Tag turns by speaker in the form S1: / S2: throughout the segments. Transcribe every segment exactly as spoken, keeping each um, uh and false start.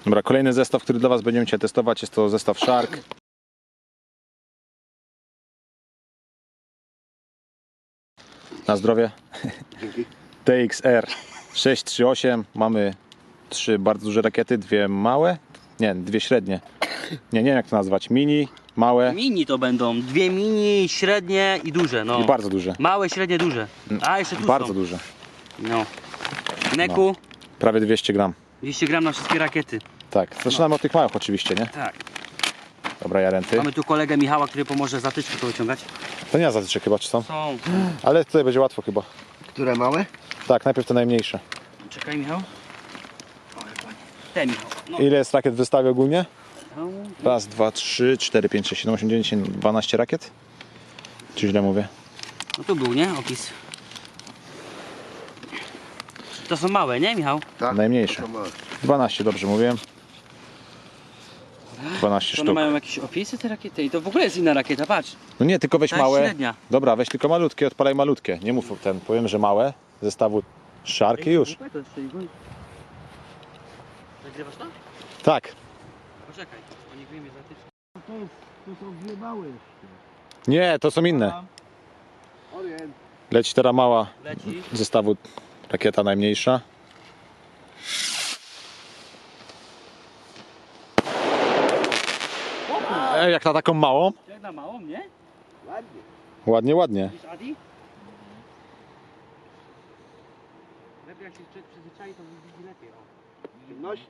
S1: Dobra, kolejny zestaw, który dla Was będziemy dzisiaj testować, jest to zestaw Shark. Na zdrowie.
S2: Dzięki.
S1: T X R sześć trzy osiem. Mamy trzy bardzo duże rakiety, dwie małe. Nie, dwie średnie. Nie, nie wiem jak to nazwać. Mini, małe
S3: Mini to będą. Dwie mini, średnie i duże. No.
S1: i bardzo duże.
S3: Małe, średnie, duże. A jeszcze tu
S1: Bardzo
S3: są.
S1: duże.
S3: No. Neku.
S1: Prawie dwieście gram.
S3: dwieście gram na wszystkie rakiety.
S1: Tak, zaczynamy od tych małych oczywiście, nie?
S3: Tak.
S1: Dobra, Jarenty.
S3: Mamy tu kolegę Michała, który pomoże zatyczkę to wyciągać.
S1: To nie zatyczek chyba, czy są?
S3: Są.
S1: Ale tutaj będzie łatwo chyba.
S2: Które małe?
S1: Tak, najpierw te najmniejsze.
S3: Czekaj, Michał. Te, Michał. No.
S1: Ile jest rakiet w wystawie ogólnie?
S3: No.
S1: Raz, dwa, trzy, cztery, pięć, sześć, siedem, osiem, dziewięć, dwanaście rakiet? Czy źle mówię?
S3: No tu był, nie? Opis. To są małe, nie, Michał?
S2: Tak.
S1: Najmniejsze.
S2: To małe.
S1: dwanaście, dobrze mówiłem. dwanaście
S3: To one
S1: sztuk.
S3: mają jakieś opisy te rakiety i to w ogóle jest inna rakieta, patrz.
S1: No nie, tylko weź
S3: Ta jest
S1: małe.
S3: średnia.
S1: Dobra, weź tylko malutkie, odpalaj malutkie. Nie mów ten, powiem, że małe. Zestawu Shark i już.
S3: Nagrywasz to?
S1: Tak.
S3: Poczekaj, bo nie wyjmie zatyczkę.
S2: To, jest, to są dwie małe jeszcze.
S1: Nie, to są inne.
S2: Orient.
S1: Leci teraz mała
S3: Leci.
S1: zestawu rakieta najmniejsza. E, jak na taką małą?
S3: Jak na małą, nie?
S2: Ładnie.
S1: Ładnie, ładnie.
S3: Widzisz, Adi? Lepiej jak się człowiek przyzwyczai, to widzi lepiej. O.
S2: W ciemności.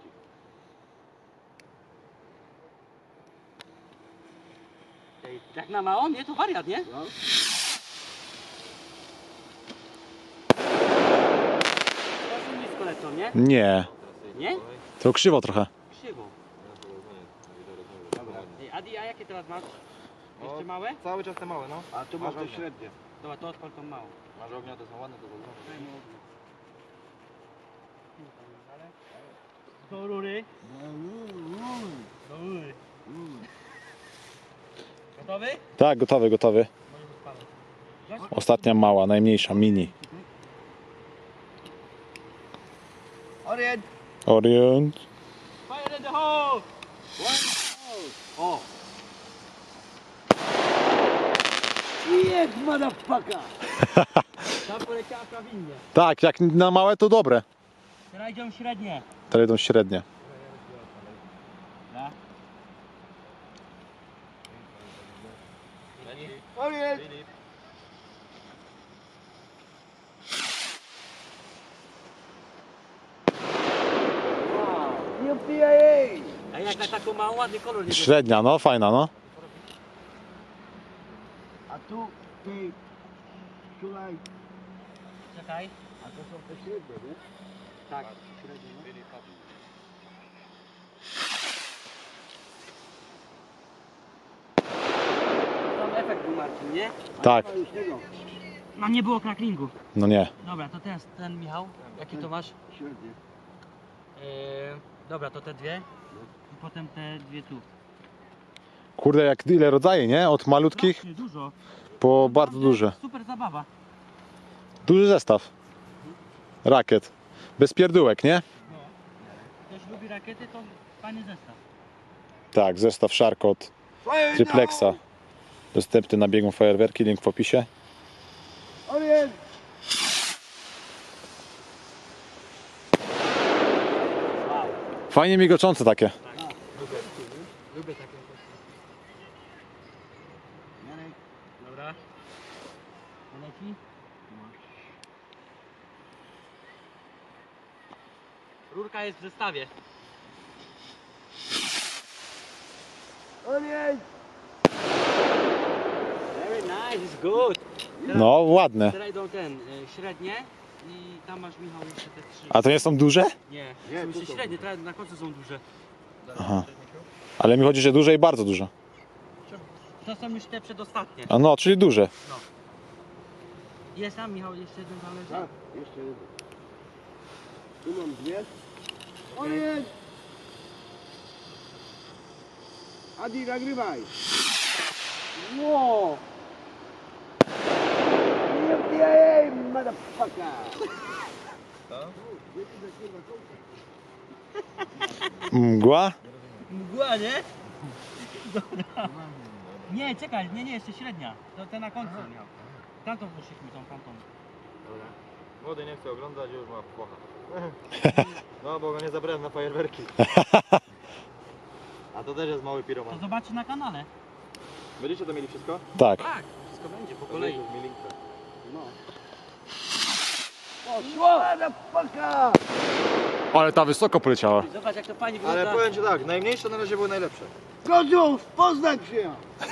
S3: Ej, jak na małą, nie? To wariat, nie?
S2: No.
S3: Bardzo blisko lecą, nie?
S1: Nie,
S3: Nie?
S1: to krzywo trochę.
S3: Krzywo. Dobra. Ej, Adi, a jakie teraz masz? Jeszcze małe?
S4: Cały czas te małe, no.
S2: A tu masz te średnie.
S3: Dobra, to odpal tą małą.
S4: Masz ognia, to są ładne, to są ładne.
S3: Do rury. Do rury. Gotowy?
S1: Tak, gotowy, gotowy.
S3: Możesz odpalać.
S1: Ostatnia mała, najmniejsza, mini.
S2: Orient.
S1: Orient.
S3: Fire in the hole! O!
S2: Jest, motherfucker.
S3: Tam poleciała prawidłnie.
S1: Tak, jak na małe to dobre.
S3: Teraz idą średnie.
S1: Teraz idą średnie.
S3: Da?
S2: Orient. U P I A.
S3: A jak na taką małą, ładny kolor nie
S1: Średnia, no fajna, no.
S2: A tu ty szulaj.
S3: Czekaj.
S2: A to są te średnie, nie?
S3: Tak, średnie. No. Tam efekt był, Marcin, nie?
S1: Tak,
S2: A już tego.
S3: No nie było cracklingu.
S1: no nie.
S3: Dobra, to teraz ten Michał. Jaki to masz?
S2: Średnie.
S3: Eee, dobra, to te dwie. I potem te dwie tu.
S1: Kurde, jak ile rodzaje, nie? Od malutkich
S3: Strasznie dużo.
S1: po bardzo
S3: Naprawdę
S1: duże.
S3: Super zabawa.
S1: Duży zestaw. Rakiet. Bez pierdółek, nie?
S3: Ktoś lubi rakiety, to fajny zestaw.
S1: Tak, zestaw Shark od Triplexa. Dostępny na biegu fajerwerki, link w opisie.
S2: Orient.
S3: Wow.
S1: Fajnie migoczące takie.
S3: Lubię takie. Dobra. Leci? Rurka jest w zestawie.
S2: Orient.
S3: Very nice, it's good. Teraz,
S1: No, ładne.
S3: teraz idą ten, y, średnie i tam masz, Michał, jeszcze te trzy.
S1: A to nie są duże?
S3: Nie,
S2: Nie,
S3: są
S2: tu
S3: jeszcze
S2: są
S3: średnie, teraz na końcu są duże.
S1: Aha. Ale mi chodzi, że duże i bardzo duże.
S3: To są już te przedostatnie.
S1: A no, czyli duże.
S3: Jest tam, Michał, jeszcze jeden zależy.
S2: Tak, jeszcze jeden. Tu mam dwie. Orient. Adi, nagrywaj. Wow. U P I A, motherfucker.
S1: Mgła?
S3: Mgła, nie? Dobra. Nie, czekaj, nie, nie, jeszcze średnia. To ten na końcu miał. Tamtą poszliśmy, tą tamtą.
S4: Dobra. Młody nie chce oglądać, już ma płocha. No bo go nie zabrałem na fajerwerki. A to też jest mały
S3: To
S4: piroman.
S3: zobaczy na kanale.
S4: Będziecie to mieli wszystko?
S1: Tak.
S3: Tak, wszystko będzie po
S4: To
S3: kolei.
S4: już mi linkę.
S3: No.
S2: Poszło! Na paka!
S1: Ale ta wysoko poleciała.
S3: Zobacz jak to fajnie
S4: Ale
S3: wygląda.
S4: powiem ci tak, najmniejsze na razie były najlepsze.
S2: Godziów, Poznań się!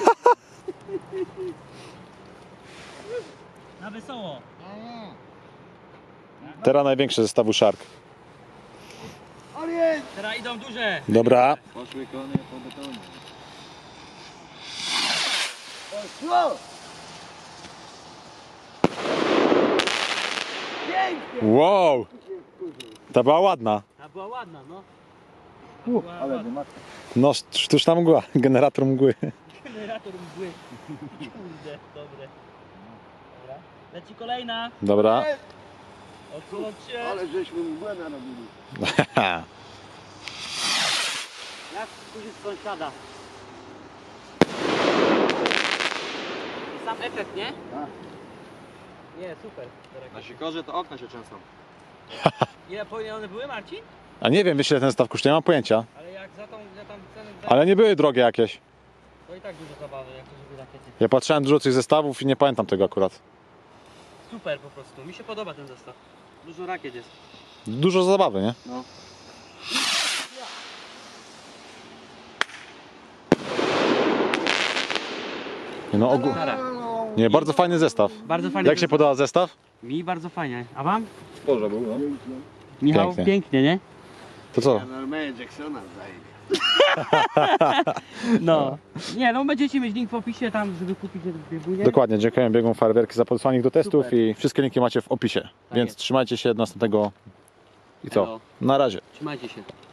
S3: Na wesoło.
S1: Teraz największe zestawu Shark.
S2: Orient!
S3: Teraz idą duże.
S1: Dobra.
S4: Poszły konie po betonie.
S2: Poszło! Pięknie!
S1: Wow. Ta była ładna.
S3: Ta była ładna, no.
S2: U,
S3: Była
S2: ale
S3: ładna.
S2: matka.
S1: No, sztuczna mgła. Generator mgły.
S3: Generator mgły. Kurde, dobre. Dobra. Leci kolejna.
S1: Dobra.
S3: Odsunąć się.
S2: Ale żeśmy mgłę narobili.
S3: Jak kurzy z sąsiada. I sam efekt, nie?
S2: Tak.
S3: Nie, super.
S4: Na sikorze to okna się trzęsą.
S3: Ile powinien one były, Marcin?
S1: A nie wiem, wiesz ile ten zestaw kosztuje, nie mam pojęcia.
S3: Ale jak za tą, za tam cenę
S1: Ale nie były drogie jakieś.
S3: to i tak dużo zabawy, jak to żeby rakiety.
S1: Ja patrzyłem dużo tych zestawów i nie pamiętam tego akurat.
S3: Super po prostu. Mi się podoba ten zestaw. Dużo rakiet jest.
S1: Dużo zabawy, nie?
S3: No.
S1: Nie, no, ogół... nie, bardzo fajny zestaw.
S3: Bardzo fajnie.
S1: Jak się podoba zestaw?
S3: Mi bardzo fajnie. A wam?
S4: Sporze był, no.
S3: Michał,
S1: Pięknie.
S3: pięknie, nie?
S1: To co?
S2: Ja normalnie Jacksona zajmę.
S3: No. Nie, no będziecie mieć link w opisie tam, żeby kupić biegunie.
S1: Dokładnie, dziękuję biegom fajerwerki za podesłanie ich do testów
S3: Super.
S1: i wszystkie linki macie w opisie. Więc
S3: jest.
S1: trzymajcie się do następnego i co?
S3: Elo.
S1: Na razie.
S3: Trzymajcie się.